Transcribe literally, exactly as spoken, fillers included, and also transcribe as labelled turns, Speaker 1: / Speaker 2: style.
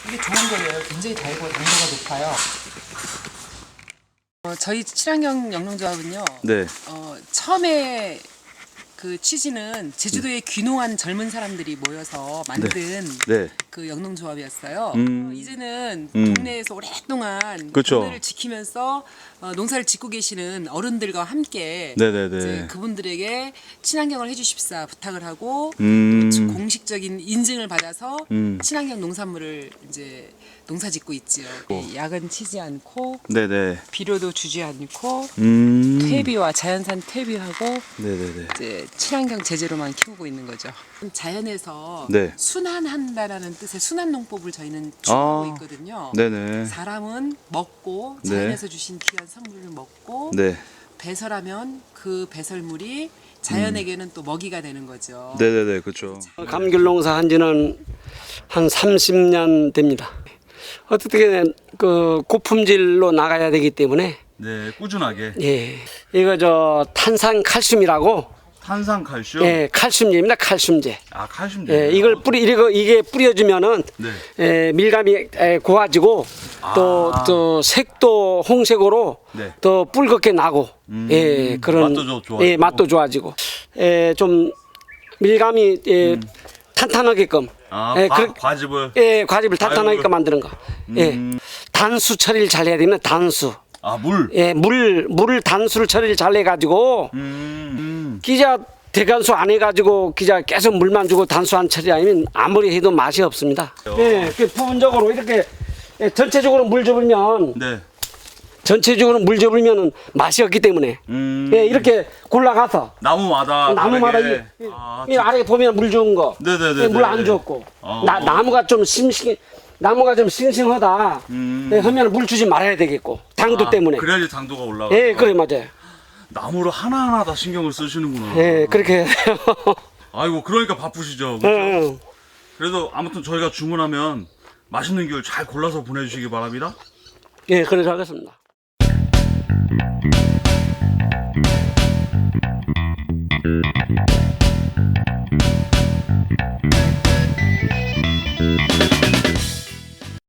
Speaker 1: 이게 좋은 거예요. 굉장히 달고 당도가 높아요. 어, 저희 친환경 영농조합은요.
Speaker 2: 네.
Speaker 1: 어, 처음에 그 취지는 제주도에 귀농한 젊은 사람들이 모여서 만든
Speaker 2: 네.
Speaker 1: 그 영농조합이었어요.
Speaker 2: 음.
Speaker 1: 어, 이제는
Speaker 2: 음.
Speaker 1: 동네에서 오랫동안
Speaker 2: 그쵸.
Speaker 1: 동네를 지키면서 어, 농사를 짓고 계시는 어른들과 함께
Speaker 2: 네네네.
Speaker 1: 이제 그분들에게 친환경을 해주십사 부탁을 하고
Speaker 2: 음.
Speaker 1: 또 공식적인 인증을 받아서
Speaker 2: 음.
Speaker 1: 친환경 농산물을 이제 농사짓고 있지요. 이 약은 치지 않고
Speaker 2: 네네.
Speaker 1: 비료도 주지 않고
Speaker 2: 음.
Speaker 1: 퇴비와 자연산 퇴비하고
Speaker 2: 네네네.
Speaker 1: 이제 친환경 제재로만 키우고 있는 거죠. 자연에서
Speaker 2: 네.
Speaker 1: 순환한다라는 뜻의 순환 농법을 저희는 추구하고
Speaker 2: 아.
Speaker 1: 있거든요.
Speaker 2: 네네.
Speaker 1: 사람은 먹고
Speaker 2: 네.
Speaker 1: 자연에서 주신 귀한 선물을 먹고
Speaker 2: 네.
Speaker 1: 배설하면 그 배설물이 자연에게는 또 먹이가 되는 거죠.
Speaker 2: 네네네. 그렇죠.
Speaker 3: 감귤농사 한 지는 한 삼십 년 됩니다. 어떻게 그 고품질로 나가야 되기 때문에
Speaker 2: 네. 꾸준하게.
Speaker 3: 예 이거 저 탄산 칼슘이라고
Speaker 2: 탄산 칼슘.
Speaker 3: 예 칼슘제입니다. 칼슘제.
Speaker 2: 아 칼슘.
Speaker 3: 예 이걸 뿌리 이거 이게 뿌려주면은
Speaker 2: 네.
Speaker 3: 예, 밀감이 예, 고와지고 또
Speaker 2: 아.
Speaker 3: 또 색도 홍색으로
Speaker 2: 네.
Speaker 3: 더 붉게 나고
Speaker 2: 음,
Speaker 3: 예 그런
Speaker 2: 맛도 좀 좋아지고.
Speaker 3: 예 맛도 좋아지고 예좀 밀감이 예 탄탄하게끔
Speaker 2: 아
Speaker 3: 예,
Speaker 2: 과,
Speaker 3: 그렇-
Speaker 2: 과즙을.
Speaker 3: 예, 과즙을 탄탄하게
Speaker 2: 아이고.
Speaker 3: 만드는 거. 예.
Speaker 2: 음.
Speaker 3: 단수 처리를 잘 해야 됩니다. 단수.
Speaker 2: 아 물.
Speaker 3: 예, 물, 물을 단수를 처리를 잘 해가지고,
Speaker 2: 음. 음.
Speaker 3: 기자 대간수 안 해가지고, 기자 계속 물만 주고 단수 안 처리 아니면 아무리 해도 맛이 없습니다. 예, 그 부분적으로 이렇게 예, 전체적으로 물 줘불면,
Speaker 2: 네.
Speaker 3: 전체적으로 물 줘불면 맛이 없기 때문에,
Speaker 2: 음.
Speaker 3: 예, 이렇게 골라가서,
Speaker 2: 나무마다.
Speaker 3: 나무마다 이,
Speaker 2: 다르게.
Speaker 3: 이,
Speaker 2: 아,
Speaker 3: 이 아래 보면 물 좋은 거,
Speaker 2: 네네네.
Speaker 3: 물 안 줬고,
Speaker 2: 어.
Speaker 3: 나, 나무가 좀 싱싱, 나무가 좀 싱싱하다.
Speaker 2: 음.
Speaker 3: 네, 하면 물 주지 말아야 되겠고, 당도
Speaker 2: 아,
Speaker 3: 때문에.
Speaker 2: 그래야지 당도가 올라가.
Speaker 3: 예, 그래 맞아요.
Speaker 2: 나무를 하나하나 다 신경을 쓰시는구나.
Speaker 3: 예, 그렇게 해야 돼요.
Speaker 2: 아이고 그러니까 바쁘시죠. 그렇죠?
Speaker 3: 예, 예.
Speaker 2: 그래도 아무튼 저희가 주문하면 맛있는 귤 잘 골라서 보내주시기 바랍니다.
Speaker 3: 예, 그렇게 하겠습니다.